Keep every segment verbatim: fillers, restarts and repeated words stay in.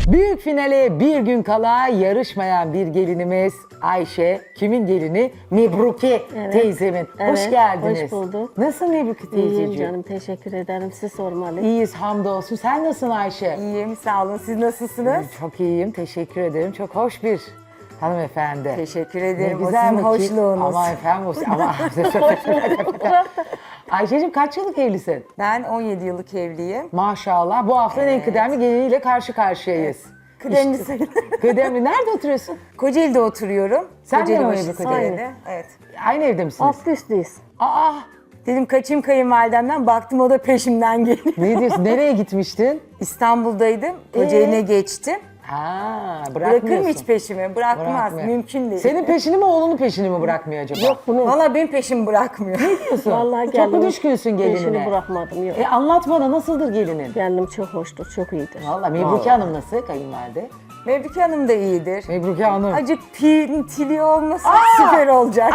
Büyük finale bir gün kala yarışmayan bir gelinimiz Ayşe. Kimin gelini? Mebruki Evet. teyzemin. Evet, Hoş geldiniz. hoş bulduk. Nasıl Mebruki İyiyim teyzeciğim? canım, teşekkür ederim. Siz sormalı. İyiyiz hamdolsun. Sen nasılsın Ayşe? İyiyim, sağ olun. Siz nasılsınız? Çok iyiyim, teşekkür ederim. Çok hoş bir hanımefendi. Teşekkür Ne ederim. O güzel sizin vakit. hoşluğunuz. Ama efendim o ama... Ayşe'cim kaç yıllık evlisin? Ben on yedi yıllık evliyim. Maşallah. Bu haftanın en kıdemli geliniyle karşı karşıyayız. Kıdemli İşte- sayılır. Kıdemli. Nerede oturuyorsun? Kocaeli'de oturuyorum. Sen de Kocaeli mi başı öyle bir Kocaeli'de. Evet. Aynı evde misiniz? Aslı üstlüyüz. Aa, Dedim kaçayım kayınvalidemden. Baktım o da peşimden geliyor. ne diyorsun? Nereye gitmiştin? İstanbul'daydım. Kocaeli'ne Ee? geçtim. Ha, Bırakır mı bırakmıyorsun. hiç peşimi? Bırakmaz. Bırakmıyor. Mümkün değil. Senin peşini mi oğlunun peşini mi bırakmıyor acaba? Yok bunun. Valla benim peşimi bırakmıyor. Diyorsun. Vallahi Çok geldim. mu düşkünsün gelinine? Peşini bırakmadım, yok. E anlat bana, nasıldır gelinin? Geldim çok hoştur, çok iyidir. Valla Mebruki Hanım nasıl kayınvalide? Mevlüke Hanım da iyidir. Mebruki Hanım. Acık pintili olmasa süper olacak.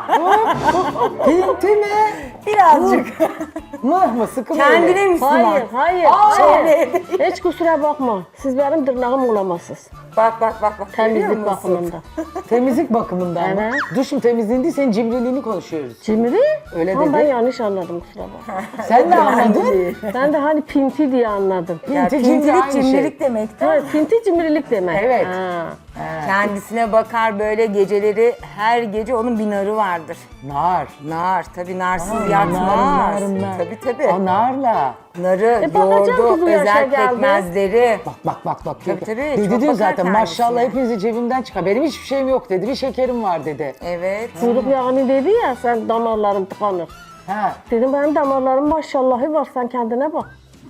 Pinti mi? Birazcık. Mıh mı? Sıkı mı? Kendine öyle? Müslüman. Hayır, hayır, Aa! hayır. Hiç kusura bakma. Siz benim tırnağım olamazsınız. Bak bak bak. bak. Görüyor Temizlik musun? bakımında. Temizlik bakımından mı? Evet. Duşum temizliğin değil, senin cimriliğini konuşuyoruz. Cimri? Öyle Ama dedi. ben yanlış anladım, kusura bakma. Sen de anladın. Ben de hani pinti diye anladım. Ya, Pinti, cimri pintilik aynı cimrilik şey. demek. Evet, pinti cimrilik demek. Evet. Ha. Kendisine bakar böyle geceleri, her gece onun bir narı vardır. Nar. Nar, tabii narsız Nar, yatmaz. nar, nar. Tabii tabii. O narla. Narı, E, bakacağım ki yoğurdu, bu yaşa özel geldi. pekmezleri. Bak bak bak bak. Tabii, tabii, Dedi çok diyor bakar zaten maşallah kendisine. hepinizi cebimden çıkar. Benim hiçbir şeyim yok dedi. Bir şekerim var dedi. Evet. Kuyruk yağını dedi ya, sen damarların tıkanır. Ha. Dedim benim damarlarım maşallahı var, sen kendine bak.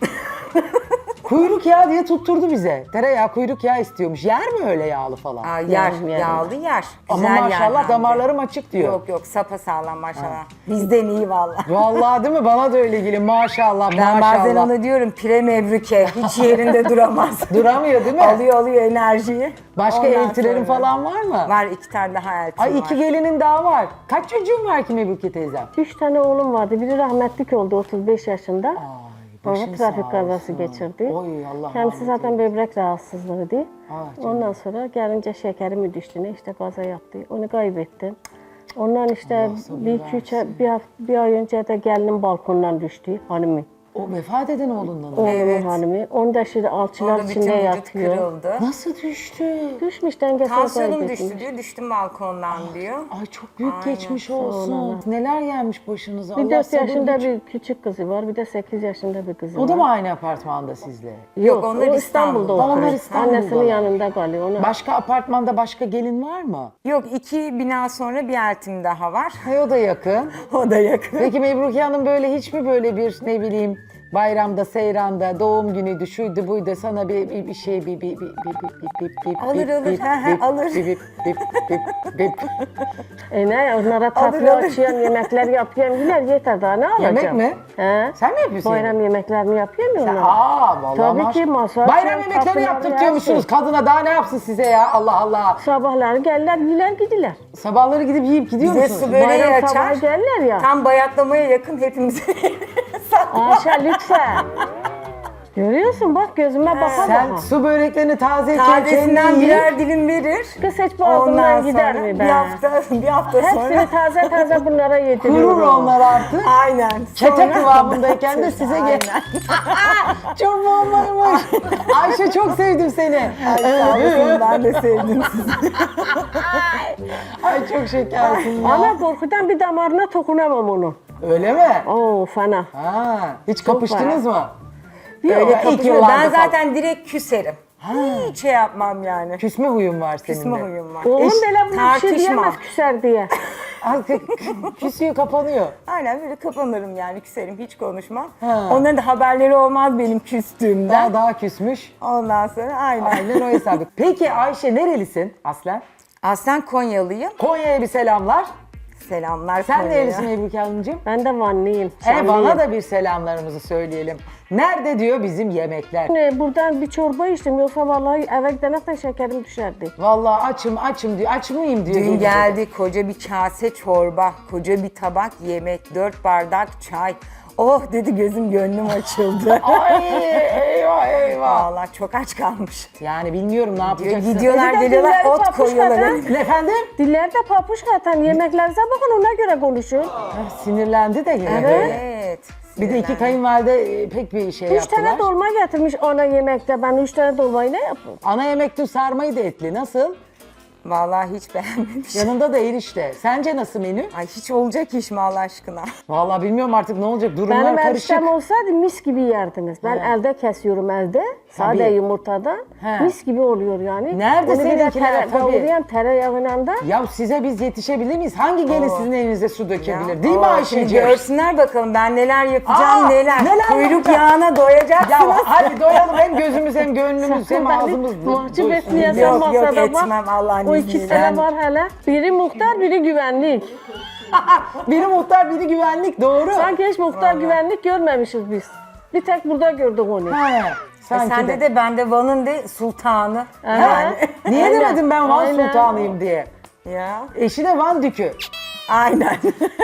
Kuyruk yağı diye tutturdu bize. Tereyağı kuyruk yağı istiyormuş. Yer mi öyle yağlı falan? Aa, yer, Yerim, yerim. yağlı yer. Ama Güzel yer maşallah hem de. damarlarım açık diyor. Yok yok, sapasağlam maşallah. Bizden iyi vallahi. Vallahi değil mi? Bana da öyle geliyor. Maşallah Ben maşallah. bazen ona diyorum pire mevruke, hiç yerinde duramaz. Duramıyor değil mi? alıyor alıyor enerjiyi. Başka Ondan eltilerin sonra- falan var mı? Var, iki tane daha eltim Ay var. iki gelinin daha var. Kaç çocuğun var ki Mebruki teyzem? Üç tane oğlum vardı. Biri rahmetlik oldu otuz beş yaşında. Ay, başın Baba trafik sağ kazası olsun. geçirdi. Oy Allah Kendisi rahmet zaten böbrek rahatsızlığıydı. Ah, canım. Ondan sonra gelince şekeri mi düştü ne, işte kaza yaptı. Onu kaybettim. Ondan işte sabır bir iki üç ay- bir, hafta, bir ay önce de gelinim balkondan düştü, hanımı. O vefat eden oğlundan o. Oğlumun Evet. hanımı. Onu da şimdi alçılar Orada bütün içinde vücut yatıyor. kırıldı. Nasıl düştü? Düşmüş, dengesini Tansiyonum kaybetmiş. düştü diyor, düştüm balkondan diyor. Ay çok büyük Aynen. geçmiş olsun. Neler gelmiş başınıza. Bir Allah dört sabır yaşında güç. bir küçük kızı var, bir de sekiz yaşında bir kızı O var. da mı aynı apartmanda sizle? Yok, onlar o İstanbul'da. İstanbul'da Onlar oturuyor. İstanbul'dalar. Annesinin yanında kalıyor. Ona Başka apartmanda başka gelin var mı? Yok, iki bina sonra bir eltim daha var. Hay o da yakın. O da yakın. Peki Mebruki Hanım böyle hiç mi böyle bir ne bileyim bayramda, seyranda, doğum günüydü, şuydu buydu sana bir, bir, bir şey bir bir bir bir bir bir bir Alır, alır, bir, he, he, bir, alır. bir, bir, bir, bir, bir. E ne, onlara tatlı alır. açıyorum, yemekler yapıyorum. Yine yeter, daha ne alacağım? Yemek mi? He? Sen mi yapıyorsun? Bayram yemek? yemeklerini yapıyorum ya Sen- onlara. Aa vallahi Tabii maş- ki, masa Bayram açıyorum, yemekleri tatlılar, yaptırtıyormuşsunuz. her Kadına daha ne yapsın size ya Allah Allah. Sabahları gelirler, yiler gidiler. Sabahları gidip yiyip gidiyor Bize musunuz? su böreği Bayram sabahı açar. gelirler ya. Tam bayatlamaya yakın hepimize. Aşağı lütfen. Görüyorsun bak, gözüme baka Sen baka. su böreklerini tazeyken Tazesinden kendin yiyip birer dilim verir. Kız hiç Ondan boğazımdan gider sonra mi be? bir hafta, bir hafta sonra. Hepsini taze taze bunlara kurur yediriyorum. onlar artık. Aynen. Çete Sonra- kıvamındayken de size gel. Çok bombaymış. Ayşe çok sevdim seni. Ay, sağ olasın, ben de sevdim sizi. Ay çok şekersin ya. Ama korkudan bir damarına dokunamam onu. Öyle mi? Oo fena. Ha, hiç kapıştınız mı? Öyle ilk kapışıyor. yıllarda Ben falan. zaten direkt küserim. Hiç şey yapmam yani. Küsme huyun var senin Küsme de. huyum var. Oğlum Eş- böyle bu bir şey tartışma. diyemez, küser diye. Ay, küsüyor kapanıyor. Aynen böyle kapanırım yani, küserim, hiç konuşmam. Ha. Onların da haberleri olmaz benim küstüğümden. Daha daha küsmüş. Ondan sonra aynen. Aynen o hesabı. Peki Ayşe nerelisin aslen? Aslen Konyalıyım. Konya'ya bir selamlar. Selamlar Sen Konya'ya. nerelisin Ebruke Hanımcığım? Ben de Vanlıyım. E Şanlıyım. bana da bir selamlarımızı söyleyelim. Nerede diyor bizim yemekler? Ne, buradan bir çorba içtim, yoksa vallahi eve giderken şekerim düşerdi. Vallahi açım açım diyor. Aç mıyım diyor. Dün gelince. geldi koca bir kase çorba, koca bir tabak yemek, dört bardak çay. Oh dedi, gözüm gönlüm açıldı. Ay eyvah eyvah. Vallahi çok aç kalmış. Yani bilmiyorum ne yapacaksın. Gidiyorlar Bir de geliyorlar dilleri ot papuç koyuyorlar. kadar. önüme. Efendim? Dillerde papuç zaten. Yemeklerinize bakın, ona göre konuşun. Ah, sinirlendi de yine. Evet. Evet. Bir de iki kayınvalide e, pek bir şey Üç yaptılar. tane dolma getirmiş ana yemekte. Ben üç tane dolmayı ne yapayım? Ana yemekte sarmayı da etli. Nasıl? Vallahi hiç beğenmemiş. Yanında da erişte. Sence nasıl menü? Ay hiç olacak iş mi Allah aşkına? Vallahi bilmiyorum artık ne olacak. Durumlar Benim karışık. eriştem olsaydı mis gibi yerdiniz. Ben elde kesiyorum elde. Sade Tabii. yumurtadan. He. Mis gibi oluyor yani. Nerede Onu bir de seninkiler? tere, Tabii. kavuruyan tereyağıyla da. Ya size biz yetişebilir miyiz? Hangi gelin sizin evinize su dökebilir? Değil mi Oo, Ayşe'ciğim? şimdi görsünler bakalım ben neler yapacağım Aa, neler. neler Kuyruk yapacağım? yağına doyacaksınız. Ya hadi doyalım hem gözümüz hem gönlümüz hem ağzımız. Mahcup doysun. etmeyesin Yok, yok, masada bak. etmem Allah'ın O izniyle. iki tane var hele. Biri muhtar, biri güvenlik. Biri muhtar, biri güvenlik. Doğru. Sanki hiç muhtar güvenlik görmemişiz biz. Bir tek burada gördük onu. He, E sanki sende de ben de Van'ın de sultanı. Yani. Niye Aynen. demedim ben Van Aynen. Sultanıyım diye? Ya Eşi de Van Dükü. aynen.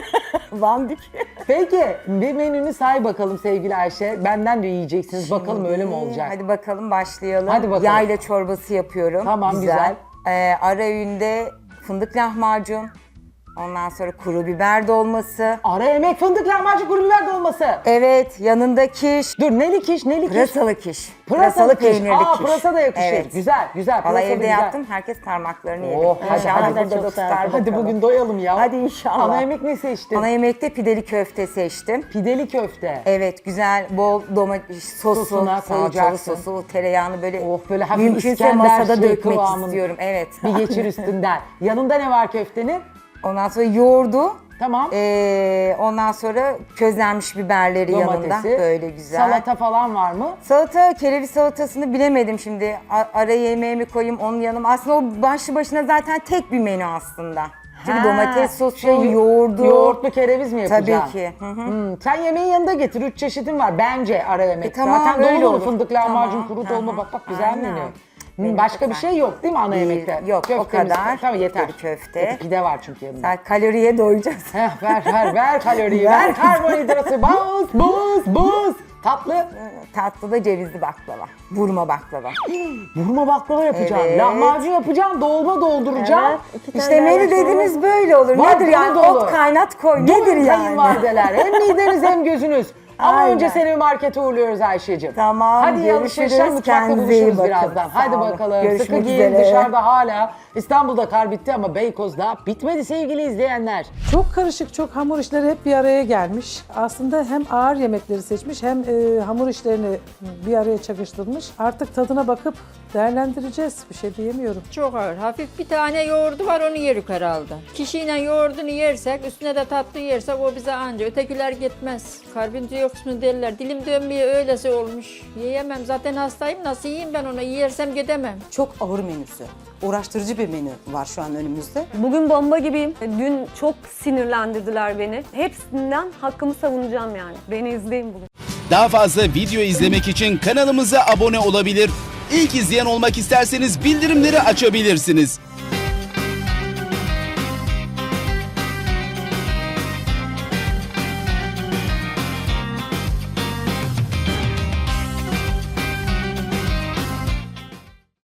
Van Dük. Peki bir menünü say bakalım sevgili Ayşe. Benden de yiyeceksiniz. Bakalım öyle mi olacak? Hadi bakalım başlayalım. Hadi bakalım. Yayla çorbası yapıyorum. Tamam, güzel. Ee, ara öğünde fındık lahmacun. Ondan sonra kuru biber dolması. Ara yemek fındık lahmacun kuru biber dolması. Evet, yanında kiş. Dur neli kiş neli kiş? Pırasalı kiş. Pırasalı kiş. peynirli Aa kiş. pırasa da yakışır. Evet. Güzel güzel. Valla Pırasa da evde güzel. yaptım. Herkes parmaklarını yedi. Oh, hadi, İnşallah hadi. burada Çok da tutar güzel. Hadi bakalım. bugün doyalım ya. Hadi inşallah. Ana yemek ne seçtin? Ana yemekte pideli köfte seçtim. Pideli köfte. Evet, güzel bol domates sosu, Sosuna salçalı koyacaksın. sosu, tereyağını böyle Oh, böyle hafif mümkünse İskender masada şey dökmek kıvamında. istiyorum. Evet. Bir geçir üstünden. Yanında ne var köftenin? Ondan sonra yoğurdu. Tamam. Ee, ondan sonra közlenmiş biberleri yanında. Domatesi. Böyle güzel. Salata falan var mı? Salata, kereviz salatasını bilemedim şimdi. A- ara yemeğimi koyayım onun yanıma. Aslında o başlı başına zaten tek bir menü aslında. Çünkü Ha, domates sosu, şey, yoğurdu. Yoğurtlu kereviz mi yapacaksın? Tabii ki. Hı hı. Hmm, sen yemeğin yanında getir. Üç çeşidin var bence ara yemek. E, tamam, Zaten öyle dolu dolu olur. fındık lahmacun, Tamam, kuru hı dolma. hı. Bak bak güzel Aynen. menü. Hmm, Benim başka çok bir güzel. şey yok değil mi ana Değil, yemekte? yok, o Köftemiz- kadar. Tamam yeter. Pideli köfte. E, Pide var çünkü yanında. Sen kaloriye doyacağız. Heh, ver ver ver kaloriyi, ver, Ver. karbonhidratı, buz buz buz. Tatlı. Tatlı da cevizli baklava. Vurma baklava. Vurma baklava yapacağım. Evet. Lahmacun yapacağım, dolma dolduracağım. Evet, iki tane İşte menü daha sonra- dediğiniz böyle olur. Var, Nedir yani? dolu dolu. Ot kaynat koy. Durun Nedir yani? kayınvalideler. Hem mideniz hem gözünüz. Ama Aynen. önce seni bir markete uğurluyoruz Ayşe'cim. Tamam, Hadi iyi alışverişler, görüşürüz. mutfakta Kendinize iyi buluşuruz bakın. birazdan. Sağ Hadi olun. bakalım. Görüşmek Sıkı giyin, üzere. dışarıda hala. İstanbul'da kar bitti ama Beykoz'da bitmedi sevgili izleyenler. Çok karışık, çok hamur işleri hep bir araya gelmiş. Aslında hem ağır yemekleri seçmiş hem e, hamur işlerini bir araya çakıştırmış. Artık tadına bakıp değerlendireceğiz. Bir şey diyemiyorum. Çok ağır. Hafif bir tane yoğurdu var onu yerik herhalde. Kişiyle yoğurdunu yersek, üstüne de tatlı yersek o bize anca. Ötekiler gitmez. Karbondioksit mu derler. Dilim dönmeye öylesi olmuş. Yiyemem. Zaten hastayım. Nasıl yiyeyim ben onu? Yersem gidemem. Çok ağır menüsü. Uğraştırıcı bir menü var şu an önümüzde. Bugün bomba gibiyim. Dün çok sinirlendirdiler beni. Hepsinden hakkımı savunacağım yani. Beni izleyin bugün. Daha fazla video izlemek için kanalımıza abone olabilir. İlk izleyen olmak isterseniz bildirimleri açabilirsiniz.